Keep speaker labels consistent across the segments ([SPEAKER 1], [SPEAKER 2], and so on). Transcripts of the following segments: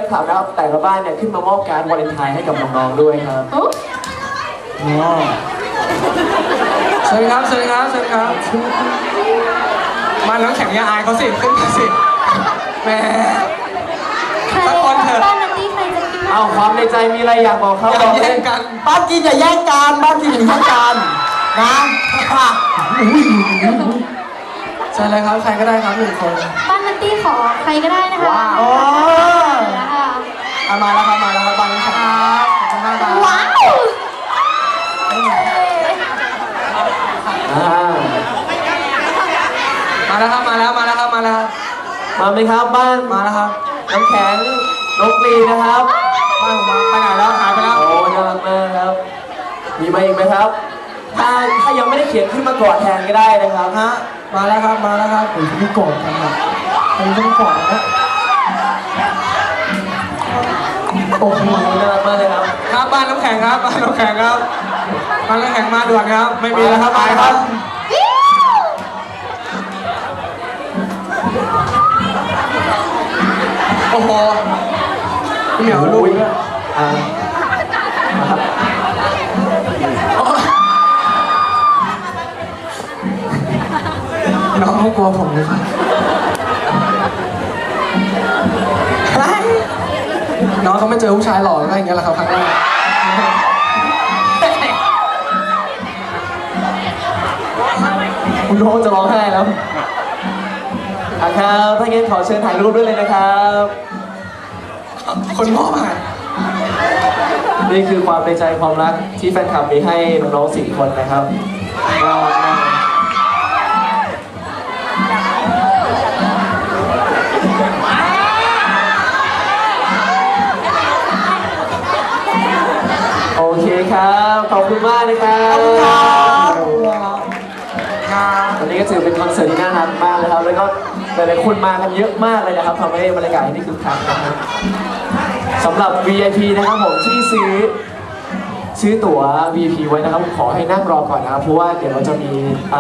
[SPEAKER 1] คลับนะครับแต่ละบ้านเนี่ยขึ้นมามอบการ์ดวาเลนไทน์ให้กับน้องๆด้วยครับ
[SPEAKER 2] เชิญครับเชิญครับเชิญครับมาน้ำแข็งยาอายเขาสิขึ้นมาสิแหมสักคนเถอะ
[SPEAKER 1] เอาความในใจมีอะไรอยากบอกเขา
[SPEAKER 2] อย่าแย่งกัน
[SPEAKER 3] บ้านกินอย่าแย่งกันบ้านกินอย่าแย่งกันนะ
[SPEAKER 2] เชิญเลยครับใครก็ได้ครับ1 คน
[SPEAKER 4] บ้านนัตตี้ขอใครก็ได้นะคะ
[SPEAKER 2] ว้าวมาแล้วครับมาแล้วครับบ้านน้ำแข็งครับขอบคุณมากครับ
[SPEAKER 4] ว้าว
[SPEAKER 2] มาแล้วครับมาแล้วมาแล้วครับมาแล้วครับ
[SPEAKER 1] มาไหมครับบ้าน
[SPEAKER 2] มาแล้วครับ
[SPEAKER 1] น้ำแข็งนกลีนะครับ
[SPEAKER 2] บ้านผมมาไปไหนแล้วหายไปแล้ว
[SPEAKER 1] โอ้น่ารักมากครับมีมาอีกไหมครับถ้ายังไม่ได้เขียนขึ้นมากอดแทนก็ได้นะครับ
[SPEAKER 2] ฮะมาแล้วครับมาแล้วครับผมจะไม่กอดกันครับผมจะไม่กอดนะ
[SPEAKER 1] โอ้โหน่ารักมากเลยครับ
[SPEAKER 2] ครับบ้านน้ำแข็งครับบ้านน้ำแข็งครับบ้านน้ำแข็งมาด่วนครับไม่มีแล้วครับไปครับโอ้โหเหมียวลูกน้องเขากลัวผมเลยครับน้องเขาไม่เจอผู้ชายหล่อก็อย่างเงี้ยแหละครับครั้งแรก
[SPEAKER 1] คุณน้องจะร้องไห้แล้วครับถ้างั้นขอเชิญถ่ายรูปด้วยเลยนะครับ
[SPEAKER 2] คนมอบอ่ะ
[SPEAKER 1] นี่คือความในใจความรักที่แฟนคลับมีให้น้องๆ4 คนนะครับโอเคครับขอบคุณมากนะครับวันนี้ก็ถือเป็นคอนเสิร์ตที่น่ารักมากเลยครับแล้วก็หลายๆคนมากันเยอะมากเลยนะครับทำให้บรรยากาศที่คึกคักนะครับสำหรับ VIP นะครับผมที่ซื้อตั๋ว VIP ไว้นะครับผมขอให้นั่งรอก่อนนะครับเพราะว่าเดี๋ยวเราจะมี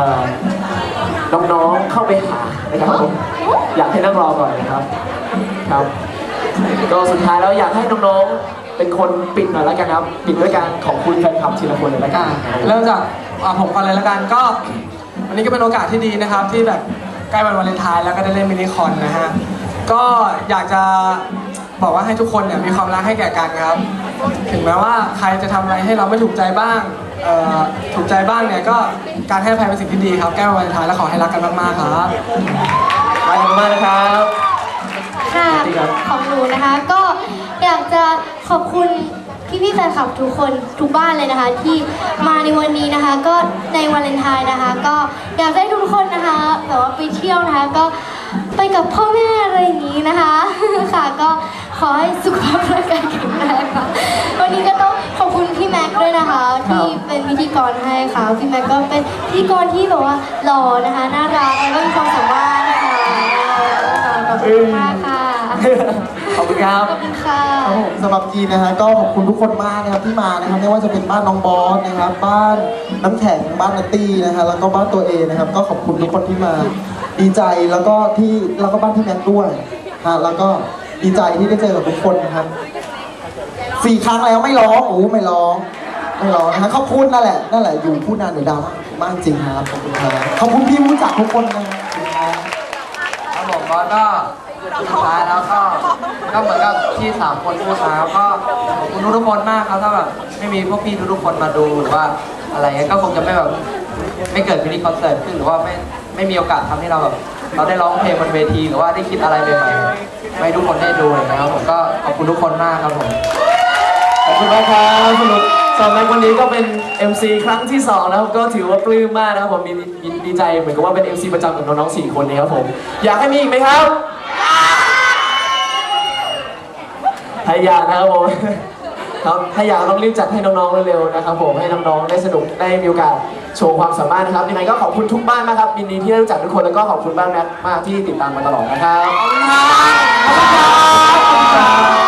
[SPEAKER 1] น้องๆเข้าไปหานะครับผมอยากให้นั่งรอก่อนนะครับครับก็สุดท้ายแล้วอยากให้น้องๆเป็นคนปิดหน่อยแล้วกันครับปิดด้วยการขอบคุณแฟนคลับทีละคนเลยละกัน
[SPEAKER 2] เริ่มจากผมก่อนเลยละกันก็วันนี้ก็เป็นโอกาสที่ดีนะครับที่แบบใกล้วันวาเลนไทน์แล้วก็ได้เล่นมินิคอนนะฮะก็อยากจะบอกว่าให้ทุกคนเนี่ยมีความรักให้แก่กันครับถึงแม้ว่าใครจะทำอะไรให้เราไม่ถูกใจบ้างถูกใจบ้างเนี่ยก็การให้อภัยเป็นสิ่งที่ดีครับใกล้วันวาเลนไทน์แล้วขอให้รักกันมากๆครับ
[SPEAKER 1] รักกันมากนะครับ
[SPEAKER 4] ค่ะของหนูนะคะก็อยากจะขอบคุณพี่ๆแฟนคลับทุกคนทุกบ้านเลยนะคะที่มาในวันนี้นะคะก็ในวาเลนไทน์นะคะก็อยากให้ทุกคนนะคะแบบว่าไปเที่ยวนะคะก็ไปกับพ่อแม่อะไรอย่างนี้นะคะค่ะก็ขอให้สุขภาพร่างกายแข็งแรงค่ะวันนี้ก็ต้องขอบคุณพี่แม็กด้วยนะคะที่เป็นพิธีกรให้ค่ะพี่แม็กก็เป็นพิธีกรที่แบบว่าหล่อนะคะน่ารักแล้วก็มีความสามารถนะคะขอบคุณมากค่ะ
[SPEAKER 1] ขอบคุณครับ
[SPEAKER 4] ขอบคุณค่ะ
[SPEAKER 3] สำหรับจีนนะฮะก็ขอบคุณทุกคนมากนะครับที่มานะครับไม่ว่าจะเป็นบ้านน้องบอสนะครับบ้านน้ำแข็งบ้านนัตตี้นะฮะแล้วก็บ้านตัวเองนะครับก็ขอบคุณทุกคนที่มาดีใจแล้วก็บ้านที่แม็กด้วยฮะแล้วก็ดีใจที่ได้เจอกับทุกคนนะครับ4 ครั้งแล้วไม่ร้องไม่ร้องนะฮะขอบคุณนั่นแหละอยู่พูดนานเดี๋ยวดาวมากจริงครับขอบคุณครับขอบคุณพี่รู้จักทุกคน
[SPEAKER 2] นะครับผมก็สุดท้ายแล้วก็เหมือนกับที่3 คนพูดมาก็ขอบคุณทุกคนมากครับถ้าแบบไม่มีพวกพี่ทุกคนมาดูหรือว่าอะไรเงี้ยก็คงจะไม่เกิดมินิคอนเสิร์ตขึ้นหรือว่าไม่มีโอกาสทำให้เราแบบเราได้ร้องเพลงบนเวทีหรือว่าได้คิดอะไรใหม่ๆให้ทุกคนได้ดูนะครับผมก็ขอบคุณทุกคนมากครับผม
[SPEAKER 1] ขอบคุณมากครับสนุกสำหรับวันนี้ก็เป็น MC ครั้งที่2แล้วก็ถือว่าปลื้มมากนะครับผมดีใจเหมือนกับว่าเป็น MC ประจำกับน้องๆ4 คนนี้ครับผมอยากให้มีอีกไหมครับถ้าอยากนะครับผมครับถ้าอยากต้องรีบจัดให้น้องๆเร็วๆนะครับผมให้น้องๆได้สนุกได้มีโอกาสโชว์ความสามารถนะครับยังไงก็ขอบคุณทุกบ้านมากครับยินดีที่ได้รู้จักทุกคนแล้วก็ขอบคุณบ้านแม็กมากที่ติดตามมาตลอดนะครับขอบคุณครับ